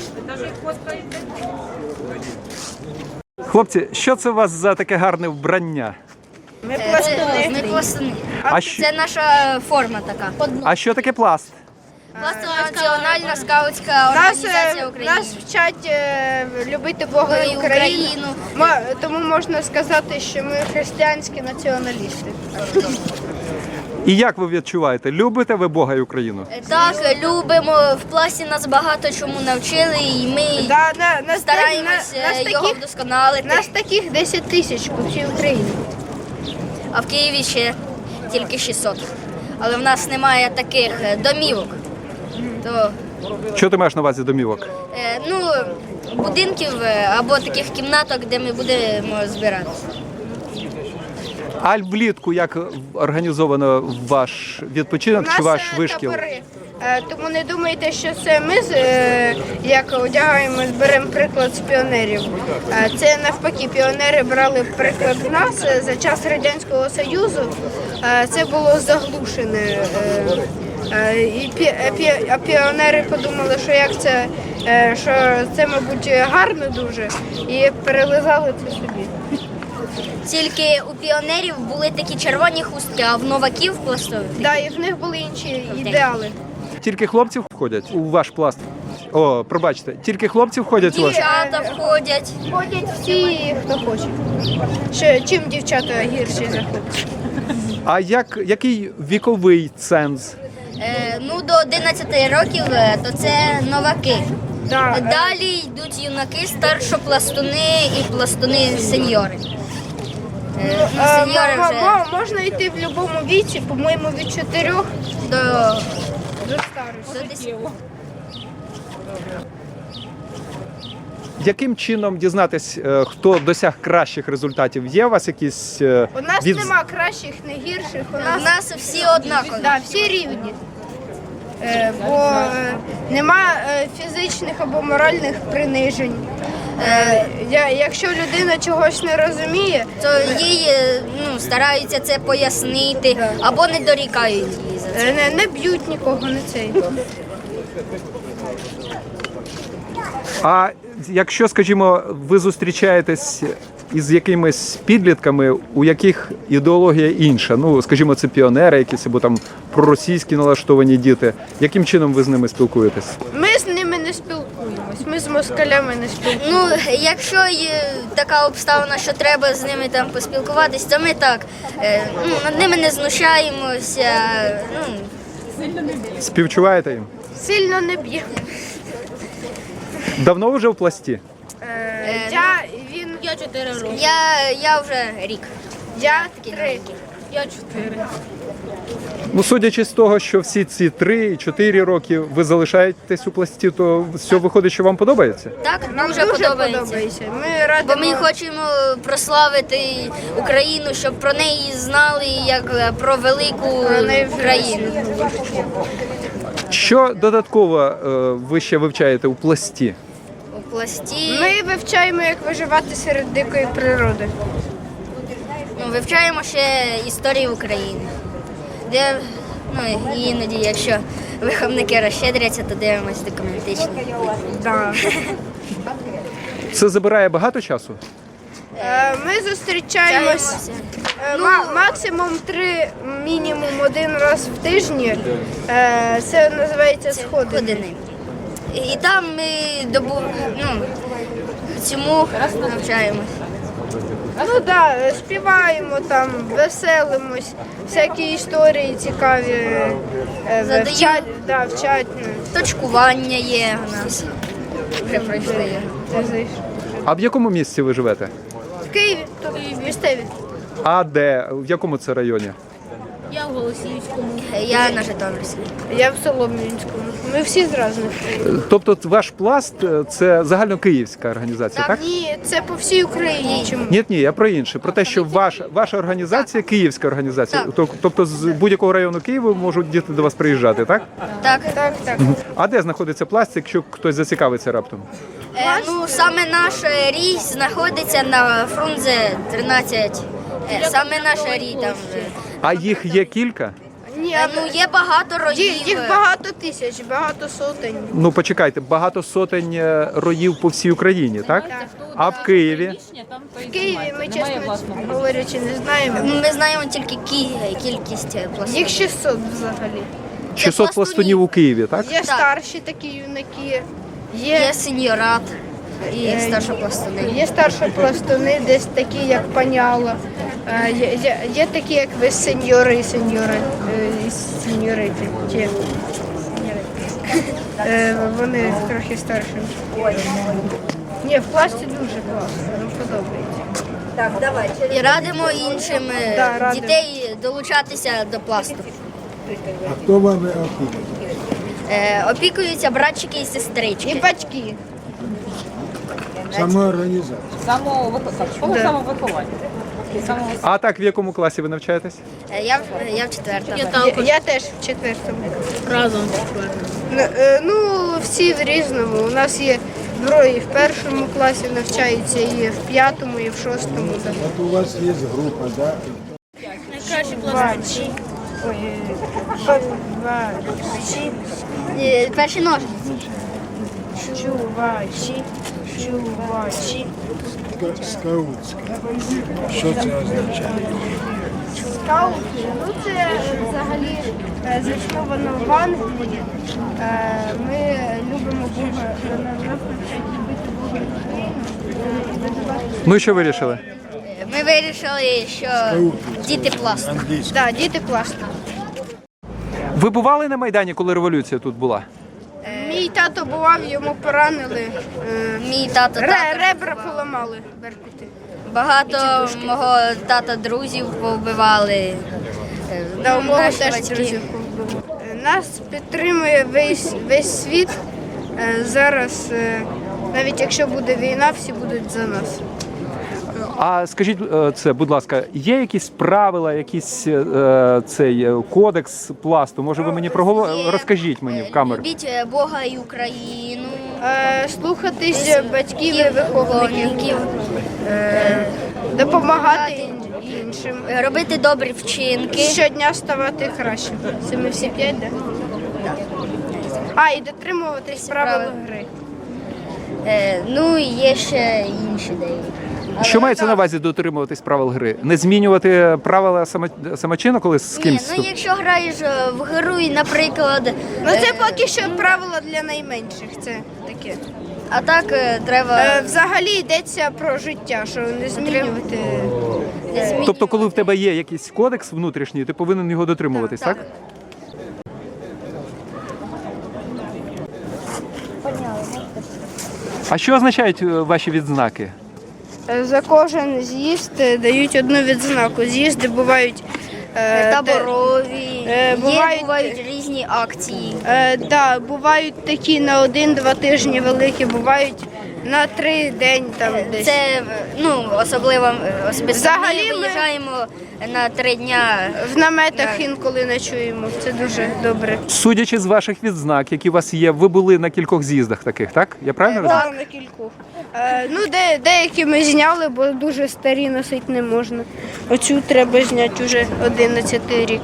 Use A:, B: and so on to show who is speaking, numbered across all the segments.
A: Хлопці, що це у вас за таке гарне вбрання?
B: Ми пластуни. Це наша форма така.
A: А що таке пласт?
B: Пласт – національна скаутська організація України.
C: Нас вчать любити Бога і Україну. Тому можна сказати, що ми християнські націоналісти.
A: І як ви відчуваєте? Любите ви Бога і Україну?
B: Так, любимо. В пласті нас багато чому навчили, і ми стараємося його вдосконалити.
C: Нас таких 10 тисяч по всій Україні.
B: А в Києві ще тільки 600. Але в нас немає таких домівок.
A: Що ти маєш на увазі домівок?
B: Будинків або таких кімнаток, де ми будемо збиратися.
A: А влітку як організовано ваш відпочинок чи ваш вишкіл?
C: Табори. Тому не думайте, що це ми як одягаємо, беремо приклад з піонерів. Це навпаки, піонери брали приклад з нас за час Радянського Союзу. Це було заглушене. А піонери подумали, що це, мабуть, гарно дуже, і перелизали це собі.
B: Тільки у піонерів були такі червоні хустки, а в новаків пластових.
C: Так, і в них були інші ідеали.
A: Тільки хлопці входять у ваш пласт? О, пробачте, тільки хлопці входять у ваш?
B: Дівчата входять.
C: Ходять всі, хто хоче. Чим дівчата гірші за хлопців?
A: А який віковий ценз?
B: До 11 років то це новаки.
C: Да.
B: Далі йдуть юнаки, старшопластуни і пластуни-сеньори. Сеньори вже
C: можна йти в будь-якому віці, по-моєму, від 4
B: до
C: старості.
B: 10.
A: Яким чином дізнатись, хто досяг кращих результатів? Є у вас якісь...
C: У нас нема кращих, не гірших.
B: У нас всі однакові.
C: Да, всі рівні. Бо нема фізичних або моральних принижень. Якщо людина чогось не розуміє,
B: то їй стараються це пояснити або не дорікають її за це.
C: Не б'ють нікого, не цей.
A: А якщо, скажімо, ви зустрічаєтесь із якимись підлітками, у яких ідеологія інша, скажімо, це піонери якісь, або там проросійські налаштовані діти, яким чином ви з ними спілкуєтесь?
C: Ми з ними не спілкуємось, ми з москалями не спілкуємось.
B: Якщо є така обставина, що треба з ними там поспілкуватись, то ми так, над ними не знущаємося.
A: Співчуваєте їм?
C: Сильно не б'ємо.
A: Давно вже в пласті?
C: Я 4 роки.
B: Я вже рік.
C: Я 3.
B: Я 4.
A: Судячи з того, що всі ці 3-4 роки ви залишаєтесь у пласті, то все виходить, що вам подобається?
B: Так,
C: Нам
B: дуже подобається.
C: Ми радимо...
B: Бо ми хочемо прославити Україну, щоб про неї знали як про велику країну.
A: Що додатково ви ще вивчаєте у пласті?
B: У пласті
C: Ми вивчаємо, як виживати серед дикої природи.
B: Вивчаємо ще історію України. Де іноді, якщо виховники розщедряться, то дивимося документичні.
C: Да.
A: Це забирає багато часу?
C: Ми зустрічаємось максимум 3, мінімум 1 раз в тижні. Це називається сходини.
B: І там ми цьому навчаємось.
C: Співаємо там, веселимось, всякі історії цікаві вчать.
B: Точкування є у нас. Вже пройшли його.
A: А в якому місці ви живете?
C: В Києві, тут місцеві.
A: А де? В якому це районі?
C: Я в Голосіївському.
B: Я на Житомирській.
C: Я в Солом'янському. Ми всі з різних.
A: Тобто ваш пласт – це загальнокиївська організація, так?
C: Ні, це по всій Україні. Чому?
A: Ні, я про інше. Про те, що ваша організація – київська організація. Тобто з будь-якого району Києва можуть діти до вас приїжджати, так?
B: Так.
A: А де знаходиться пласт, якщо хтось зацікавиться раптом?
B: Саме наш рій знаходиться на Фрунзе 13. Саме наш рій там.
A: А їх є кілька?
C: Ні, Ні,
B: Ну, є багато роїв.
C: їх багато тисяч, багато сотень.
A: Ну почекайте, багато сотень роїв по всій Україні, так? А в Києві?
C: В Києві ми, чесно говорячи, не знаємо.
B: Ми знаємо тільки кількість пластунів.
C: Їх 600 взагалі.
A: 600 пластунів у Києві, так?
C: Є старші такі юнаки,
B: Є сеньорат і старшопластуни.
C: є старші пластуни, десь такі, як паняла. Є такі, як ви сеньори і сеньорити. Вони трохи старші. Ні, в пласті дуже класно, нам подобається.
B: І радимо іншим
C: Да, радимо.
B: дітей долучатися до пласту.
D: А хто вами опікує?
B: Опікуються братчики і сестрички.
C: І батьки.
D: Самоорганізація.
E: Школа самовиховання.
A: А так, в якому класі ви навчаєтесь?
B: Я в четвертому.
C: Я теж в четвертому. Разом. Ну, всі в різному. У нас є двоє і в першому класі навчаються, і в п'ятому, і в шостому. Так.
D: От у вас є група, да?
C: Бачі. Ой, бачі.
B: Перші ножниці.
C: Чувачі. Чувачі.
D: Скаутська. Що це означає?
C: Скаути, ну це взагалі засновано в Англії. Ми любимо Бога, нас навчають любити Бога і Україну. І визивати.
A: Ну і що вирішили?
B: Ми вирішили, що діти пласту.
D: Англійська.
C: Так, діти класно.
A: Ви бували на Майдані, коли революція тут була?
C: Мій тато бував, йому поранили.
B: Мій тато
C: Ребра поламали беркути.
B: багато мого тата друзів повбивали.
C: Да, у мого
B: Наші
C: теж
B: батьки.
C: друзів повбили. Нас підтримує весь світ. Зараз, навіть якщо буде війна, всі будуть за нас.
A: А скажіть це, будь ласка, є якісь правила, якийсь цей кодекс пласту? Може, ви мені
B: Є,
A: розкажіть мені в камеру?
B: Любіть Бога і Україну.
C: Слухатись батьків і виховників, допомагати іншим.
B: Робити добрі вчинки.
C: Щодня ставати краще. Це ми всі 5, так? І дотримуватись правил гри.
B: Ну і є ще інші деякі.
A: Що мається на увазі дотримуватись правил гри? Не змінювати правила самочину, коли з
B: Ні,
A: кимсь?
B: ну якщо граєш в гру, і, наприклад,
C: Ну це поки що правила для найменших. Це таке.
B: а так треба
C: Взагалі йдеться про життя, що не змінювати.
B: не змінювати.
A: Тобто, коли в тебе є якийсь кодекс внутрішній, ти повинен його дотримуватись, так? А що означають ваші відзнаки?
C: За кожен з'їзд дають одну відзнаку. З'їзди бувають
B: Таборові,
C: бувають-
B: бувають різні акції.
C: бувають такі на 1-2 тижні великі, бувають на 3 день там десь.
B: Це особливо
C: Взагалі
B: ми
C: ми-
B: виїжджаємо на 3 дня.
C: В наметах інколи ночуємо. Це дуже добре.
A: Судячи з ваших відзнак, які у вас є, ви були на кількох з'їздах таких, так? Я правильно розумію?
C: Так, на кількох. Деякі ми зняли, бо дуже старі носити не можна. Оцю треба зняти вже 11 рік.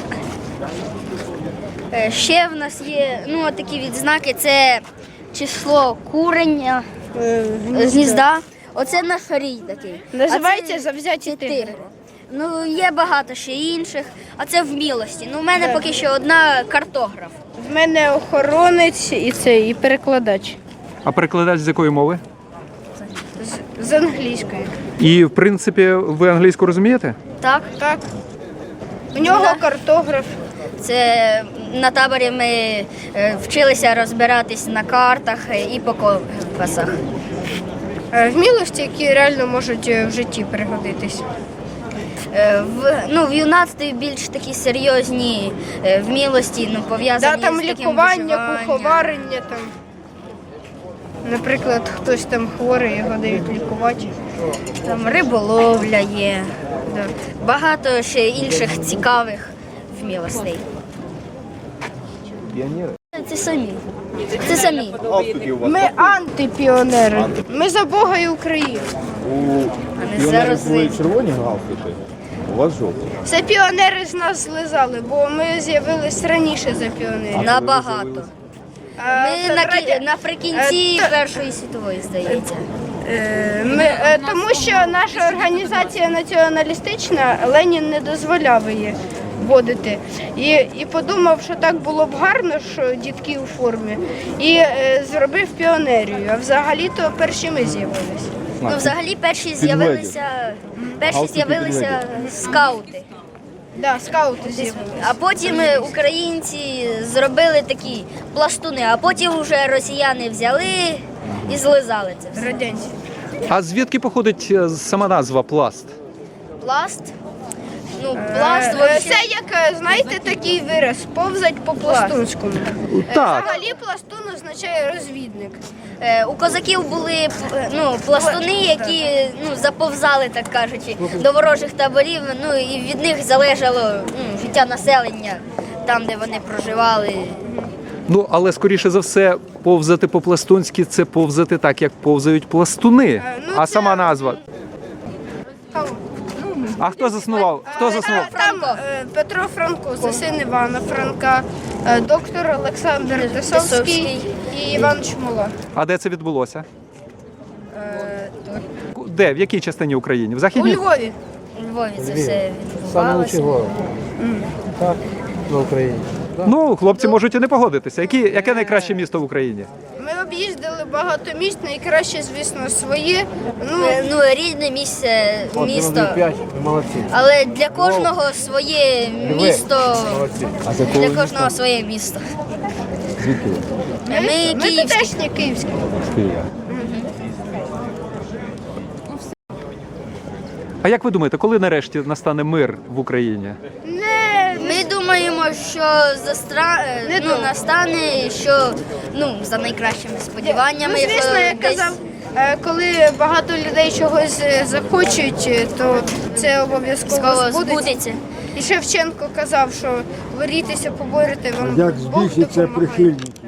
B: Ще в нас є такі відзнаки. Це число курення з гнізда. Оце наш рій такий.
C: Називається
B: А це
C: «Завзяті тигри».
B: тигри. Ну, є багато ще інших, а це вмілості. Ну, у мене поки що одна картограф.
C: В мене охоронець і перекладач
A: А перекладач з якої мови?
C: з англійської.
A: І, в принципі, ви англійську розумієте?
B: Так,
C: Так. У нього картограф.
B: це на таборі ми вчилися розбиратись на картах і по компасах.
C: Вмілості, які реально можуть в житті пригодитись.
B: В юнацтві більш такі серйозні вмілості, пов'язані
C: Там
B: з таким
C: лікування,
B: виживанням.
C: куховарення там. Наприклад, хтось там хворий, його дають лікувати.
B: Там риболовля є. Багато ще інших цікавих вмілостей. Це самі. Це самі.
C: Ми антипіонери. Ми за Бога і Україну.
B: А не зараз.
D: червоні галстуки?
F: У вас жовта.
C: Це піонери з нас злизали, бо ми з'явились раніше за піонерів.
B: Набагато. Ми наприкінці
C: Е, то-
B: Першої світової, здається.
C: Тому що наша організація націоналістична, Ленін не дозволяв її вводити. І подумав, що так було б гарно, що дітки у формі, і зробив піонерію. А взагалі-то перші ми з'явилися.
B: Ну, взагалі перші з'явилися скаути.
C: Да, скаути з'явилися.
B: А потім українці зробили такі пластуни, а потім вже росіяни взяли і злизали це все.
C: Радянські.
A: А звідки походить сама назва пласт?
B: Пласт. Ну, пласт
C: Це
B: вообще.
C: як, знаєте, такий вираз повзать по пластунському.
A: Так.
C: Взагалі пластун означає розвідник.
B: У козаків були пластуни, які заповзали, так кажучи, до ворожих таборів. Ну і від них залежало життя населення там, де вони проживали.
A: Ну, але скоріше за все, повзати по-пластунськи це повзати так, як повзають пластуни.
C: ну,
A: А
C: це-
A: сама назва. А хто заснував? Хто заснував?
C: Там Петро Франко, це син Івана Франка, доктор Олександр Тисовський і Іван Чмола.
A: А де це відбулося? Де? В якій частині України? В
C: У
A: Західній?
C: Львові.
B: У Львові це все
F: Саме лучший
B: відбувалося.
F: город. Так, на Україні.
A: Ну, хлопці можуть і не погодитися. Яке найкраще місто в Україні?
C: Ми об'їздили багато місць, найкраще, звісно, своє.
B: Ну, рідне місце,
F: От,
B: місто.
F: 5, ви молодці.
B: Але для кожного своє місто.
F: Молодці.
B: Для кожного своє місто.
A: Звідки?
B: Ми
C: Ми
B: київські.
C: тутешні київські.
A: А як ви думаєте, коли нарешті настане мир в Україні?
B: Ми думаємо, що настане, що за найкращими сподіваннями.
C: Ну, звісно,
B: що
C: як
B: десь-
C: казав, коли багато людей чогось захочуть, то це обов'язково
B: Скоро
C: збудеться.
B: збудеться.
C: І Шевченко казав, що борітеся, поборете вам.
D: Як
C: Бог
D: збільшиться
C: допомагає.
D: прихильників.